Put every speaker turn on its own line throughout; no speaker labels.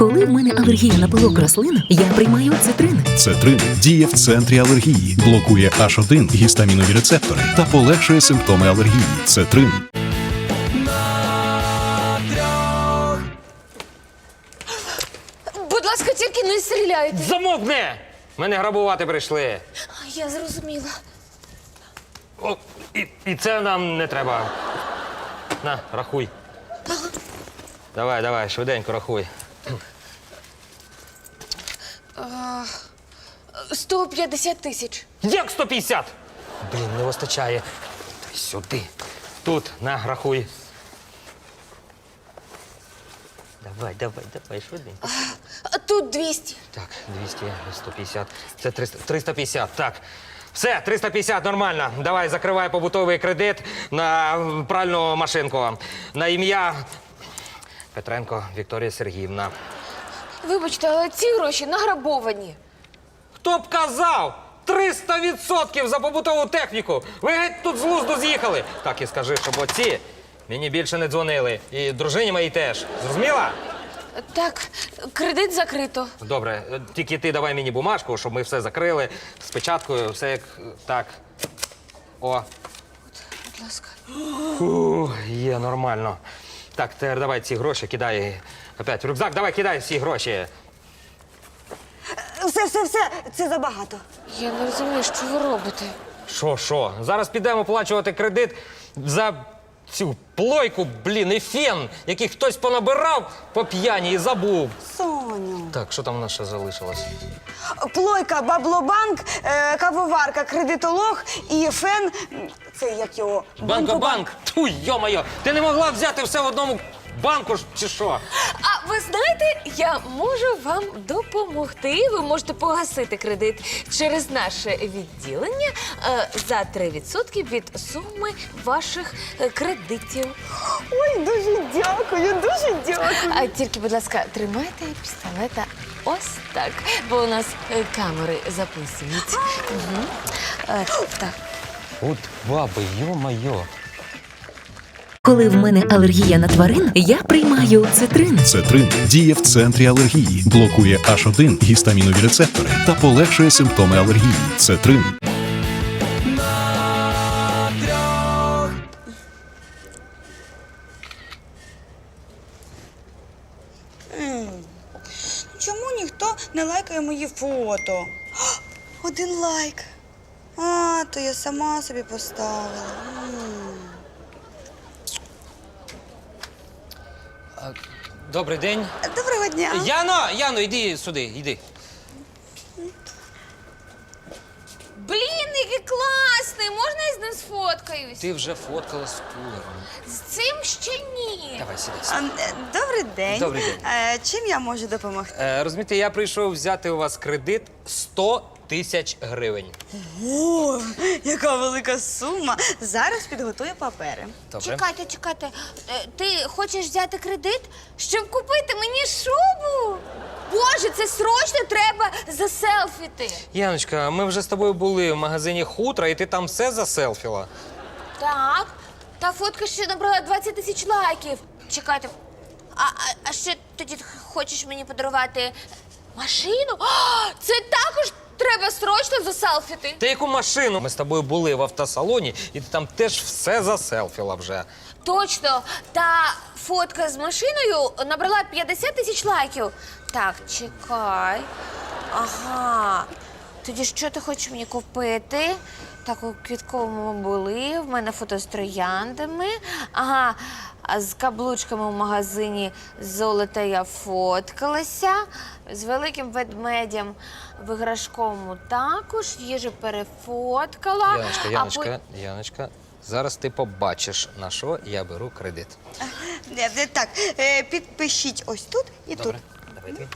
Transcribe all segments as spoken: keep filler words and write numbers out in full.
Коли в мене алергія на пилок рослин, я приймаю цитрин.
Цетрин діє в центрі алергії, блокує аш один гістамінові рецептори та полегшує симптоми алергії. Цетрин.
Будь ласка, тільки не стріляйте.
Замовкни! Мене грабувати прийшли.
Я зрозуміла.
О, і, і це нам не треба. На, рахуй. Давай, давай, швиденько рахуй.
сто п'ятдесят тисяч.
Як сто п'ятдесят? Блін, не вистачає. Дай сюди. Тут, на, рахуй. Давай, давай, давай, швиденько.
А тут двісті.
Так, двісті, сто п'ятдесят. Це триста, триста п'ятдесят, так. Все, триста п'ятдесят, нормально. Давай, закривай побутовий кредит на пральну машинку. На ім'я Петренко Вікторія Сергіївна.
Вибачте, але ці гроші награбовані.
Хто б казав? триста відсотків за побутову техніку! Ви геть тут з глузду з'їхали! Так і скажи, щоб оці мені більше не дзвонили. І дружині моїй теж. Зрозуміла?
Так, кредит закрито.
Добре, тільки ти давай мені бумажку, щоб ми все закрили. З печаткою, все як так. О.
Будь ласка.
Фу, є, нормально. Так, тепер давай ці гроші кидай. Опять в рюкзак, давай кидай всі гроші.
Все, все, все, це забагато.
Я не розумію, що ви робите.
Що, що? Зараз підемо оплачувати кредит за цю плойку, блін, і фен, який хтось понабирав по п'яні і забув.
Соню.
Так, що там у нас ще залишилось?
Плойка, баблобанк, е, кавоварка, кредитолог і фен. Це як його?
Банкобанк! Ту, йо-моє! Ти не могла взяти все в одному банку ж, чи що?
А ви знаєте, я можу вам допомогти. Ви можете погасити кредит через наше відділення е, за три відсотки від суми ваших е, кредитів.
Ой, дуже дякую, дуже дякую.
А тільки, будь ласка, тримайте пістолета ось так, бо у нас е, камери записують. Угу. Е, так.
От баби, йо-моє.
Коли в мене алергія на тварин, я приймаю цитрин.
Цетрин діє в центрі алергії, блокує аш один гістамінові рецептори та полегшує симптоми алергії. Цетрин.
Чому ніхто не лайкає мої фото? О, один лайк. А, то я сама собі поставила. М.
Добрий день.
Доброго дня.
Яно, Яно, йди сюди, йди.
Блін, який класний! Можна я з ним сфоткаюсь?
Ти вже фоткала з кулером.
З цим ще ні.
Давай, сідай.
А, е, Добрий день.
Добрий день.
Е, чим я можу допомогти?
Е, розумієте, я прийшов взяти у вас кредит сто тисяч гривень.
О, яка велика сума. Зараз підготую папери.
Добре.
Чекайте, чекайте. Е, Ти хочеш взяти кредит, щоб купити мені шубу? Боже, це срочно треба заселфіти.
Яночка, ми вже з тобою були в магазині хутра, і ти там все заселфіла.
Так, та фотка ще набрала двадцять тисяч лайків. Чекайте, а, а, а ще тоді хочеш мені подарувати машину? А, це також треба срочно заселфіти.
Ти яку машину? Ми з тобою були в автосалоні, і ти там теж все заселфіла вже.
Точно, та фотка з машиною набрала п'ятдесят тисяч лайків. Так, чекай. Ага. Тоді що ти хочеш мені купити? Так, у квітковому були, в мене фото з трояндами. Ага, а з каблучками в магазині золота я фоткалася. З великим ведмедем в іграшковому також, їжу перефоткала.
Яночка,
а
Яночка, Яночка, зараз ти побачиш, на що я беру кредит.
Е, е, Так, е, підпишіть ось тут і
Добре,
тут.
давай ти.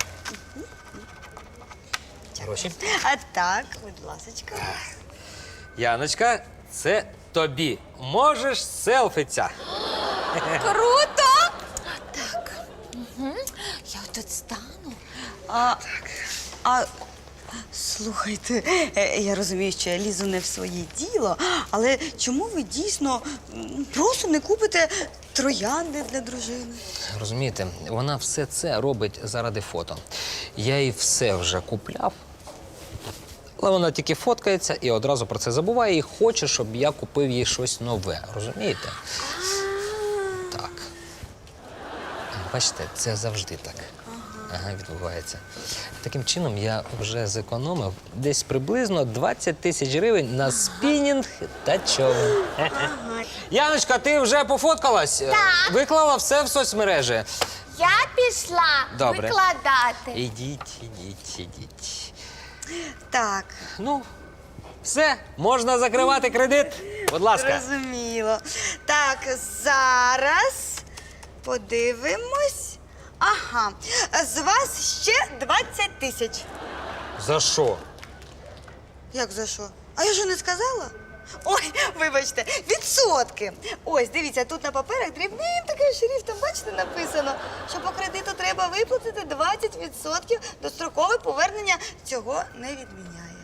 Гроші.
А так, будь ласочка.
Яночка, це тобі. Можеш селфитися.
Круто! Так. Угу. Я тут стану.
А, а слухайте, е, я розумію, що я лізу не в своє діло, але чому ви дійсно м, просто не купите троянди для дружини.
Розумієте, вона все це робить заради фото. Я їй все вже купляв, але вона тільки фоткається і одразу про це забуває і хоче, щоб я купив їй щось нове. Розумієте? Так. Бачите, це завжди так. Ага, відбувається. Таким чином я вже зекономив десь приблизно двадцять тисяч гривень на спінінг та човен. Яночка, ти вже пофоткалась?
Так.
Виклала все в соцмережі?
Я пішла
Добре.
викладати.
Ідіть, ідіть, ідіть.
Так,
Ну, все, можна закривати кредит. Будь ласка.
зрозуміло. Так, зараз подивимось. Ага, з вас ще двадцять тисяч.
За що?
Як за що? А я ж не сказала? Ой, вибачте, відсотки. Ось, дивіться, тут на паперах дрібним таким шрифтом, бачите, написано, що по кредиту треба виплатити двадцять відсотків, дострокове повернення цього не відміняє.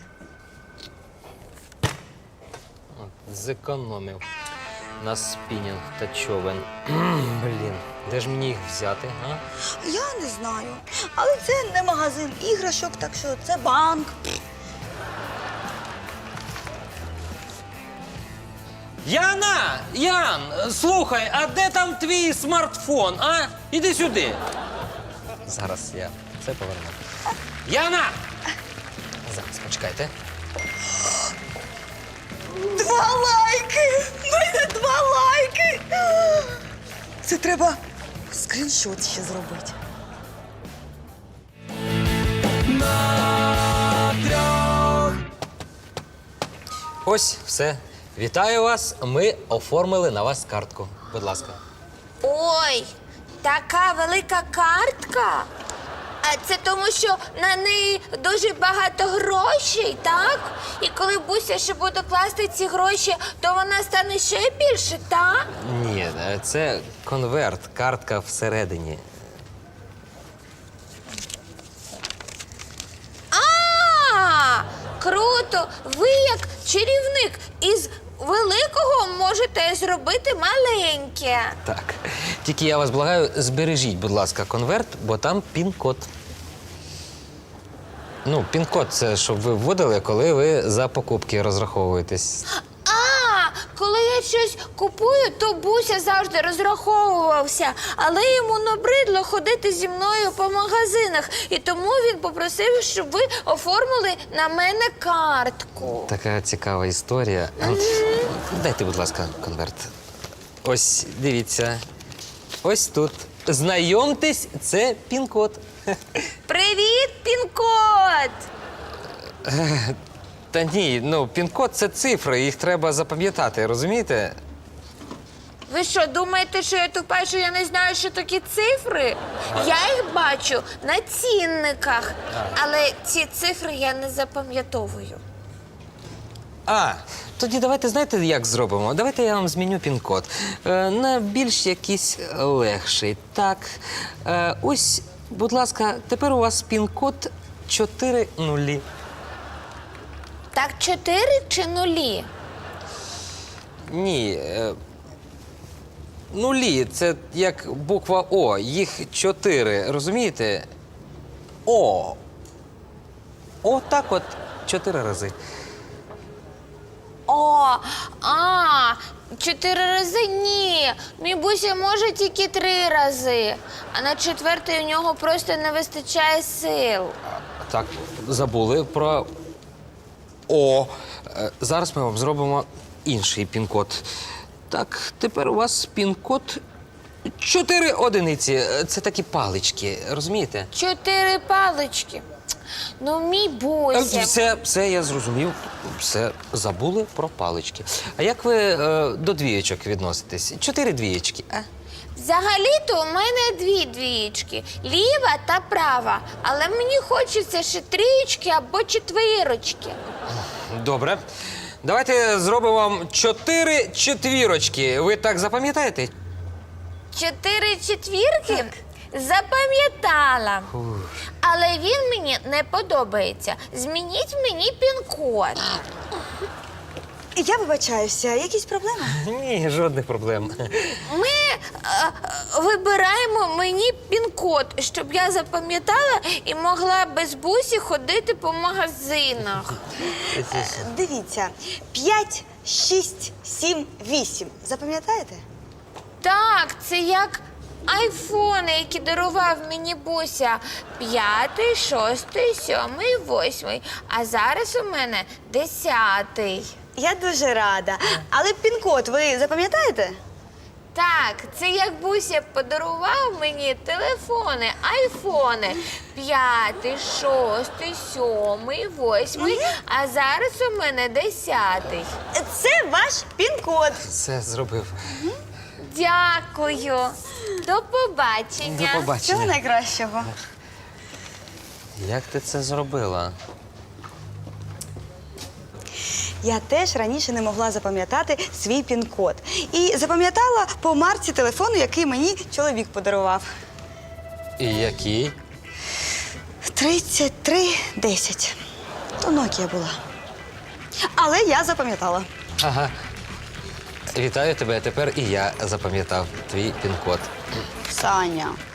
Зекономив на спінінг та човен. Блін, де ж мені їх взяти, а?
Я не знаю, але це не магазин іграшок, так що це банк.
Яна! Ян, слухай, а де там твій смартфон, а? Іди сюди. Зараз я це поверну. Яна! Зараз, почекайте.
Два лайки! У мене два лайки! Це треба скріншот ще зробити.
Ось, все. Вітаю вас. Ми оформили на вас картку. Будь ласка.
Ой, така велика картка. А це тому, що на неї дуже багато грошей, так? І коли Буся ще буде класти ці гроші, то вона стане ще більше, так?
Ні, це конверт, картка всередині.
А, круто! Ви як чарівник із великого можете зробити маленьке.
Так. Тільки я вас благаю, збережіть, будь ласка, конверт, бо там пін-код. Ну, пін-код це щоб ви вводили, коли ви за покупки розраховуєтесь.
А, коли я щось купую, то Буся завжди розраховувався, але йому набридло ходити зі мною по магазинах, і тому він попросив, щоб ви оформили на мене картку.
Така цікава історія. Дайте, будь ласка, конверт. Ось, дивіться. Ось тут. Знайомтесь, це пін-код.
Привіт, пін-код!
Та ні, ну, пін-код – це цифри, їх треба запам'ятати, розумієте?
Ви що, думаєте, що я тупа, що я не знаю, що такі цифри? Я їх бачу на цінниках, але ці цифри я не запам'ятовую.
А, тоді давайте, знаєте, як зробимо? Давайте я вам зміню пін-код. Е, на більш якийсь легший. Так, е, ось, будь ласка, тепер у вас пін-код чотири нулі.
Так чотири чи нулі?
Ні, е, нулі – це як буква О, їх чотири, розумієте? О. О, так от, чотири рази.
О, а, чотири рази ні. Мій Буся може тільки три рази. А на четвертий у нього просто не вистачає сил.
Так, забули про О. Е, Зараз ми вам зробимо інший пін-код. Так, тепер у вас пін-код чотири одиниці. Е, Це такі палички, розумієте?
Чотири палички. Ну, мій
Е,
Буся.
Все, все, я зрозумів. Все, забули про палички. А як ви е, до двієчок відноситесь? Чотири двієчки, а?
Взагалі-то у мене дві двієчки. Ліва та права. Але мені хочеться ще трієчки або четвірочки.
Добре. Давайте зробимо вам чотири четвірочки. Ви так запам'ятаєте?
Чотири четвірки? Запам'ятала. Але він мені не подобається. Змініть мені пін-код.
Я вибачаюся, якісь проблеми?
Ні, жодних проблем.
Ми е, е, вибираємо мені пін-код, щоб я запам'ятала і могла без бусі ходити по магазинах.
Дивіться, п'ять, шість, сім, вісім. Запам'ятаєте?
Так, це як айфони, які дарував мені Буся. П'ятий, шостий, сьомий, восьмий. А зараз у мене десятий.
Я дуже рада. Але пін-код ви запам'ятаєте?
Так, це як Буся подарував мені телефони, айфони. П'ятий, шостий, сьомий, восьмий, а зараз у мене десятий.
Це ваш пін-код.
Все зробив.
Дякую. До побачення.
До
Всього
побачення.
найкращого.
Як ти це зробила?
Я теж раніше не могла запам'ятати свій пін-код. І запам'ятала по марці телефону, який мені чоловік подарував.
І який?
тридцять три десять. То Nokia була. Але я запам'ятала.
Ага. Вітаю тебе, тепер і я запам'ятав твій пін-код.
Саня,